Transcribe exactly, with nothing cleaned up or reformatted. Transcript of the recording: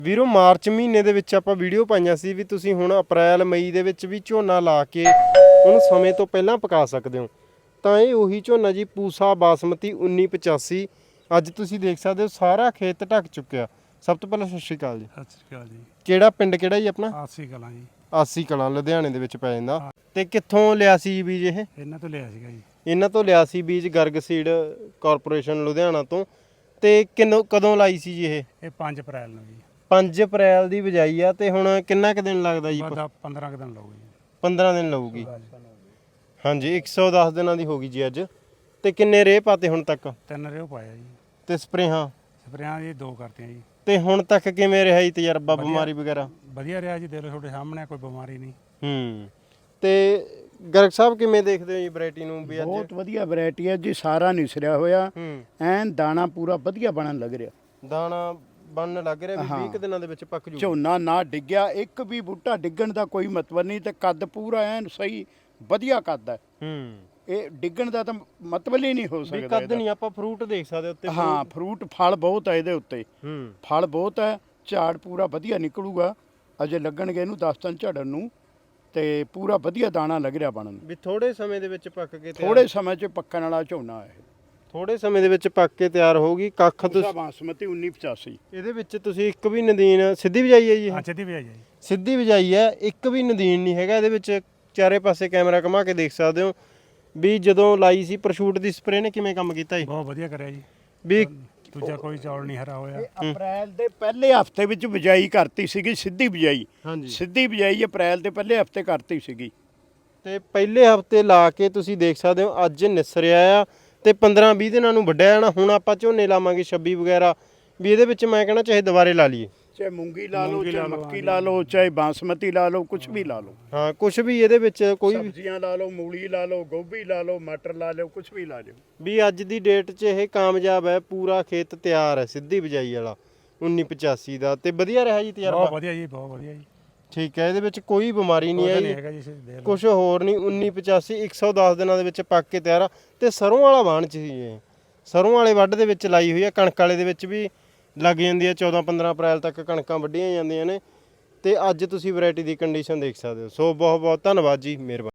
ਵੀਰੋ ਮਾਰਚ ਮਹੀਨੇ ਦੇ ਵਿੱਚ ਆਪਾਂ ਵੀਡੀਓ ਪਾਈਆਂ ਸੀ ਵੀ ਤੁਸੀਂ ਹੁਣ ਅਪ੍ਰੈਲ ਮਈ ਦੇ ਵਿੱਚ ਵੀ ਝੋਨਾ ਲਾ ਕੇ ਉਹਨੂੰ ਸਮੇਂ ਤੋਂ ਪਹਿਲਾਂ ਪਕਾ ਸਕਦੇ ਹੋ। ਤਾਂ ਇਹ ਉਹੀ ਝੋਨਾ ਜੀ ਪੂਸਾ ਬਾਸਮਤੀ ਉੱਨੀ ਪਚਾਸੀ ਅੱਜ ਤੁਸੀਂ ਦੇਖ ਸਕਦੇ ਹੋ ਸਾਰਾ ਖੇਤ ਢੱਕ ਚੁੱਕਿਆ। ਸਭ ਤੋਂ ਪਹਿਲਾਂ ਸਤਿ ਸ਼੍ਰੀ ਅਕਾਲ ਜੀ। ਸਤਿ ਸ਼੍ਰੀ ਅਕਾਲ ਜੀ। ਕਿਹੜਾ ਪਿੰਡ ਕਿਹੜਾ ਜੀ ਆਪਣਾ? ਆਸੀ ਕਲਾਂ ਜੀ। ਆਸੀ ਕਲਾਂ ਲੁਧਿਆਣੇ ਦੇ ਵਿੱਚ ਪੈ ਜਾਂਦਾ। ਤੇ ਕਿੱਥੋਂ ਲਿਆ ਸੀ ਬੀਜ ਇਹ? ਇਹਨਾਂ ਤੋਂ ਲਿਆ ਸੀਗਾ ਜੀ। ਇਹਨਾਂ ਤੋਂ ਲਿਆ ਸੀ ਬੀਜ ਗਰਗ ਸੀਡ ਕਾਰਪੋਰੇਸ਼ਨ ਲੁਧਿਆਣਾ ਤੋਂ। ਤੇ ਕਿੰਨੋਂ ਕਦੋਂ ਲਾਈ ਸੀ ਜੀ ਇਹ? ਇਹ ਪੰਜ ਅਪ੍ਰੈਲ ਨੂੰ ਜੀ। ਪੰਜ ਅਪ੍ਰੈਲ ਦੀ ਬਿਜਾਈ ਆ ਤੇ ਹੁਣ ਕਿੰਨਾ ਕੁ ਦਿਨ ਲੱਗਦਾ ਜੀ? ਪੰਦਰਾਂ ਕੁ ਦਿਨ ਲੱਗੂ ਜੀ। ਪੰਦਰਾਂ ਦਿਨ ਲੱਗੂਗੀ। ਹਾਂਜੀ ਇੱਕ ਸੌ ਦਸ ਦਿਨਾਂ ਦੀ ਹੋ ਗਈ ਜੀ ਅੱਜ। ਤੇ ਕਿੰਨੇ ਰੇਹ ਪਾਤੇ ਹੁਣ ਤੱਕ? ਤਿੰਨ ਰੇਹ ਪਾਇਆ ਜੀ। ਤੇ ਸਪਰੇਹਾਂ? ਸਪਰੇਆਂ ਜੀ ਦੋ ਕਰਤੀਆਂ ਜੀ। ਤੇ ਹੁਣ ਤੱਕ ਕਿਵੇਂ ਰਿਹਾ ਜੀ ਤਜਰਬਾ ਬਿਮਾਰੀ ਵਗੈਰਾ? ਵਧੀਆ ਰਿਹਾ ਜੀ, ਦੇਖ ਲਓ ਤੁਹਾਡੇ ਸਾਹਮਣੇ ਕੋਈ ਬਿਮਾਰੀ ਨਹੀਂ। ਹੂੰ ਤੇ ਗਰਗ ਸਾਹਿਬ ਕਿਵੇਂ ਦੇਖਦੇ ਹੋ ਜੀ ਵੈਰਾਈਟੀ ਨੂੰ ਵੀ ਅੱਜ? ਬਹੁਤ ਵਧੀਆ ਵੈਰਾਈਟੀ ਹੈ ਜੀ, ਸਾਰਾ ਨਿਸਰਿਆ ਹੋਇਆ ਐਨ ਦਾਣਾ ਪੂਰਾ ਵਧੀਆ ਬਣਨ ਲੱਗ ਰਿਹਾ। ਦਾਣਾ ਬਣਨ ਲੱਗ ਰਿਹਾ ਵੀ ਵੀਹ ਕੁ ਦਿਨਾਂ ਦੇ ਵਿੱਚ ਪੱਕ ਜੂ। ਝੋਨਾ ਨਾ ਡਿੱਗਿਆ, ਇੱਕ ਵੀ ਬੂਟਾ ਡਿੱਗਣ ਦਾ ਕੋਈ ਮਤਲਬ ਨਹੀਂ ਤੇ ਕੱਦ ਪੂਰਾ ਐਨ ਸਹੀ ਵਧੀਆ ਕੱਦ ਹੈ। ਹੂੰ ਇਹ ਡਿੱਗਣ ਦਾ ਤਾਂ ਮਤਲਬ ਹੀ ਨਹੀਂ ਹੋ ਵੀ ਸਕਦਾ। ਕੱਦ ਨਹੀਂ ਆਪਾਂ ਫਰੂਟ ਦੇਖ ਸਕਦੇ ਉੱਤੇ। ਹਾਂ ਫਰੂਟ ਫਲ ਬਹੁਤ ਹੈ ਇਹਦੇ ਉੱਤੇ। ਹੂੰ ਫਲ ਬਹੁਤ ਹੈ, ਝਾੜ ਪੂਰਾ ਵਧੀਆ ਨਿਕਲੂਗਾ। ਅਜੇ ਲੱਗਣਗੇ ਇਹਨੂੰ ਦਸ ਦਿਨ ਝੜਨ ਨੂੰ ਤੇ ਪੂਰਾ ਵਧੀਆ ਦਾਣਾ ਲੱਗ ਰਿਹਾ ਬਣਨ। ਵੀ ਥੋੜੇ ਸਮੇਂ ਦੇ ਵਿੱਚ ਪੱਕ ਕੇ ਥੋੜੇ ਸਮੇਂ 'ਚ ਪੱਕਣ ਵਾਲਾ ਝੋਨਾ ਹੈ। ਥੋੜੇ ਸਮੇਂ ਦੇ ਵਿੱਚ ਪੱਕ ਕੇ ਤਿਆਰ ਹੋਊਗੀ। ਕੱਖ ਪੂਸਾ ਬਾਸਮਤੀ ਉੱਨੀ ਪਚਾਸੀ। ਇਹਦੇ ਵਿੱਚ ਤੁਸੀਂ ਇੱਕ ਵੀ ਨਦੀਨ ਸਿੱਧੀ ਬਿਜਾਈ ਹੈ ਜੀ? ਹਾਂ ਸਿੱਧੀ ਬਿਜਾਈ ਹੈ ਜੀ। ਸਿੱਧੀ ਬਿਜਾਈ ਹੈ, ਇੱਕ ਵੀ ਨਦੀਨ ਨਹੀਂ ਹੈਗਾ ਇਹਦੇ ਵਿੱਚ। ਚਾਰੇ ਪਾਸੇ ਕੈਮਰਾ ਘੁਮਾ ਕੇ ਦੇਖ ਸਕਦੇ ਹੋ ਵੀ ਜਦੋਂ ਲਾਈ ਸੀ ਪ੍ਰਸ਼ੂਟ ਦੀ ਸਪਰੇ ਨੇ ਕਿਵੇਂ ਕੰਮ ਕੀਤਾ ਜੀ? ਬਹੁਤ ਵਧੀਆ ਕਰਿਆ ਜੀ। ਵੀ ਦੂਜਾ ਕੋਈ ਚੌਲ ਨਹੀਂ ਹਰਾ ਹੋਇਆ। ਅਪ੍ਰੈਲ ਦੇ ਪਹਿਲੇ ਹਫਤੇ ਵਿੱਚ ਬਿਜਾਈ ਕਰਤੀ ਸੀਗੀ, ਸਿੱਧੀ ਬਿਜਾਈ। ਹਾਂਜੀ ਸਿੱਧੀ ਬਿਜਾਈ ਅਪ੍ਰੈਲ ਦੇ ਪਹਿਲੇ ਹਫਤੇ ਕਰਤੀ ਸੀਗੀ। ਤੇ ਪਹਿਲੇ ਹਫਤੇ ਲਾ ਕੇ ਤੁਸੀਂ ਦੇਖ ਸਕਦੇ ਹੋ ਅੱਜ ਨਿਸਰਿਆ ਆ ਤੇ ਪੰਦਰਾਂ ਵੀਹ ਦਿਨਾਂ ਨੂੰ ਵੱਢਿਆ ਜਾਣਾ। ਹੁਣ ਆਪਾਂ ਝੋਨੇ ਲਾਵਾਂਗੇ ਛੱਬੀ ਵਗੈਰਾ ਵੀ ਇਹਦੇ ਵਿੱਚ ਮੈਂ ਕਹਿੰਦਾ ਚਾਹੇ ਦੁਬਾਰੇ ਲਾ ਲਈਏ। ਚਾਹੇ ਮੂੰਗੀ ਲਾ ਲਓ, ਚਾਹੇ ਮੱਕੀ ਲਾ ਲਓ, ਚਾਹੇ ਬਾਸਮਤੀ ਲਾ ਲਓ, ਕੁਝ ਵੀ ਲਾ ਲਓ। ਹਾਂ ਕੁਝ ਵੀ ਇਹਦੇ ਵਿੱਚ ਕੋਈ ਵੀ ਸਬਜ਼ੀਆਂ ਲਾ ਲਓ, ਮੂਲੀ ਲਾ ਲਓ, ਗੋਭੀ ਲਾ ਲਓ, ਮਟਰ ਲਾ ਲਓ, ਕੁਝ ਵੀ ਲਾ ਲਿਓ। ਵੀ ਅੱਜ ਦੀ ਡੇਟ 'ਚ ਇਹ ਕਾਮਯਾਬ ਹੈ। ਪੂਰਾ ਖੇਤ ਤਿਆਰ ਹੈ ਸਿੱਧੀ ਬਿਜਾਈ ਵਾਲਾ ਉੱਨੀ ਪਚਾਸੀ ਦਾ। ਤੇ ਵਧੀਆ ਰਿਹਾ ਜੀ ਤਜਰਬਾ? ਬਹੁਤ ਵਧੀਆ ਜੀ, ਬਹੁਤ ਵਧੀਆ ਜੀ। ਠੀਕ ਹੈ, ਇਹਦੇ ਵਿੱਚ ਕੋਈ ਬਿਮਾਰੀ ਨਹੀਂ ਆਈ ਹੈਗਾ ਜੀ। ਦੇਖ ਲਓ ਕੁਝ ਹੋਰ ਨਹੀਂ। ਉੱਨੀ ਪਚਾਸੀ ਇੱਕ ਸੌ ਦਸ ਦਿਨਾਂ ਦੇ ਵਿੱਚ ਪੱਕ ਕੇ ਤਿਆਰ ਆ। ਤੇ ਸਰੋਂ ਵਾਲਾ ਵਾਹਣ 'ਚ ਸੀ ਇਹ। ਸਰੋਂ ਵਾਲੇ ਵੱਢ ਦੇ ਵਿੱਚ ਲਾਈ ਹੋਈ ਆ। ਕਣਕ ਵਾਲੇ ਦੇ ਵਿੱਚ ਵੀ ਲੱਗ ਜਾਂਦੀ ਹੈ। ਚੌਦਾਂ ਪੰਦਰਾਂ ਅਪ੍ਰੈਲ ਤੱਕ ਕਣਕਾਂ ਵੱਢੀਆਂ ਜਾਂਦੀਆਂ ਨੇ। ਤੇ ਅੱਜ ਤੁਸੀਂ ਵੈਰਾਈਟੀ ਦੀ ਕੰਡੀਸ਼ਨ ਦੇਖ ਸਕਦੇ ਹੋ। ਸੋ ਬਹੁਤ ਬਹੁਤ ਧੰਨਵਾਦ ਜੀ, ਮਿਹਰਬਾਨੀ।